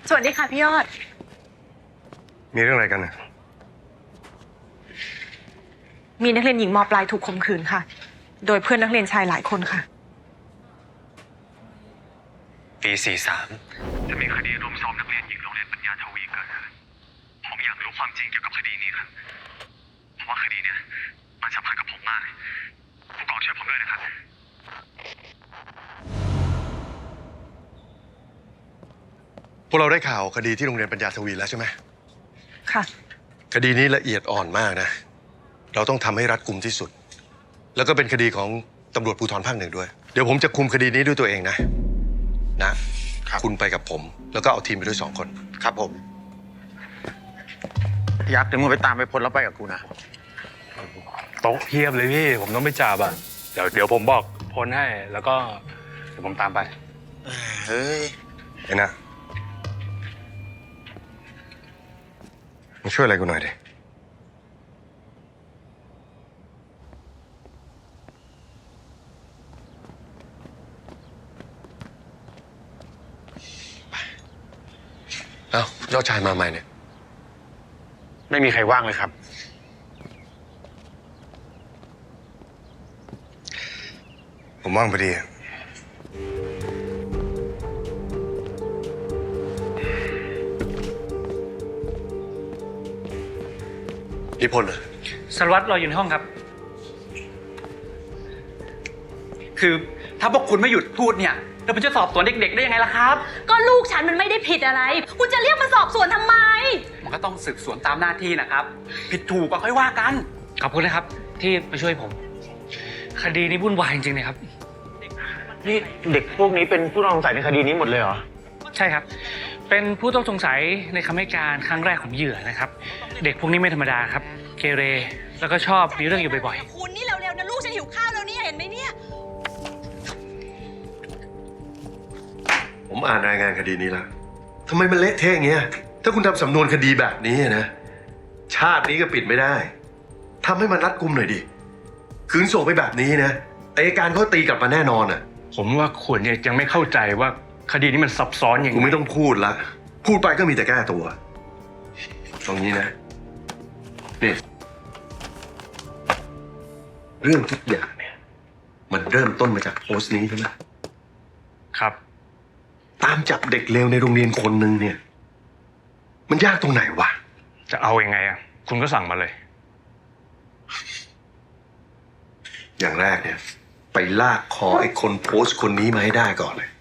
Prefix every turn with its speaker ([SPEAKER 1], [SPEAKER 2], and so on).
[SPEAKER 1] สวัสดีค่ะพี่ยอด
[SPEAKER 2] มีเรื่องอะไรกันนะ
[SPEAKER 1] มีนักเรียนหญิงม.ปลายถูกข่มขืนค่ะโดยเพื่อนนักเรียนชายหลายคนค่ะ
[SPEAKER 2] ปี 43จะมีคดีรุมซ้อมนักเรียนหญิงโรงเรียนปัญญาทวีเกิดขึ้นผมอยากรู้ความจริงเกี่ยวกับคดีนี้ครับเพราะว่าคดีเนี้ยมันสัมพันธ์กับผมมากผู้กองช่วยผมด้วยนะครับพวกเราได้ข่าวคดีที่โรงเรียนปัญญาทวีแล้วใช่ไหม
[SPEAKER 1] ค่ะ
[SPEAKER 2] คดีนี้ละเอียดอ่อนมากนะเราต้องทำให้รัดกุมที่สุดแล้วก็เป็นคดีของตำรวจภูธรภาค 1ด้วยเดี๋ยวผมจะคุมคดีนี้ด้วยตัวเองนะคุณไปกับผมแล้วก็เอาทีมไปด้วย2 คน
[SPEAKER 3] ครับผมยักษ์เดี๋ยวมึงไปตามไปพลแล้วไปกับกูนะ
[SPEAKER 4] โต๊ะเพียบเลยพี่ผมต้องไปจับอ่ะเดี๋ยวผมบอกพลให้แล้วก็เดี๋ยวผมตามไป
[SPEAKER 3] เฮ้ย
[SPEAKER 2] ไอ้นะมาช่วยอะไรกูหน่อยดิเอ้ายอดชายมาใหม่เนี่ย
[SPEAKER 3] ไม่มีใครว่างเลยครับ
[SPEAKER 2] ผมว่างพอดีนิพนธ์เหรอ
[SPEAKER 5] สารวัตรรออยู่ในห้องครับคือถ้าพวกคุณไม่หยุดพูดเนี่ยเราจะสอบสวนเด็กๆได้ยังไงล่ะครับ
[SPEAKER 1] ก็ลูกฉันมันไม่ได้ผิดอะไรคุณจะเรียกมาสอบสวนทำไม
[SPEAKER 5] มันก็ต้องสืบสวนตามหน้าที่นะครับผิดถูกก็ค่อยว่ากัน
[SPEAKER 4] ขอบคุณนะครับที่มาช่วยผมคดีนี้วุ่นวายจริงๆเลยครับ
[SPEAKER 3] นี่เด็กพวกนี้เป็นผู้ต้องสงสัยในคดีนี้หมดเลยเหรอ
[SPEAKER 4] ใช่ครับเป็นผู้ต้องสงสัยในคำให้การครั้งแรกของเหยื่อนะครับเด็กพวกนี้ไม่ธรรมดาครับเกเรแล้วก็ชอบมีเรื่องอยู่บ่อย
[SPEAKER 1] ๆคุณนี่เร็วๆนะลูกฉันหิวข้าวแล้วเนี่ยเห็นไหมเนี่ย
[SPEAKER 2] ผมอ่านรายงานคดีนี้แล้วทำไมมันเละเทะอย่างเงี้ยถ้าคุณทำสำนวนคดีแบบนี้นะชาตินี้ก็ปิดไม่ได้ทำให้มันรัดกุมหน่อยดิคืนส่งไปแบบนี้นะอัยการเขาตีกลับมาแน่นอนอ่ะ
[SPEAKER 4] ผมว่าคุณเนี่ยยังไม่เข้าใจว่าคดีนี้มันซับซ้อนอย่างไร
[SPEAKER 2] คุณไม่ต้องพูดละพูดไปก็มีแต่แก้ตัวตรงนี้นะนี่เรื่องทุกอย่างเนี่ยมันเริ่มต้นมาจากโพสต์นี้ใช่ไหม
[SPEAKER 4] ครับ
[SPEAKER 2] ตามจับเด็กเลวในโรงเรียนคนหนึ่งเนี่ยมันยากตรงไหนวะ
[SPEAKER 4] จะเอายังไงอ่ะคุณก็สั่งมาเลย
[SPEAKER 2] อย่างแรกเนี่ยไปลากคอไอ้คนโพสต์คนนี้มาให้ได้ก่อนเลย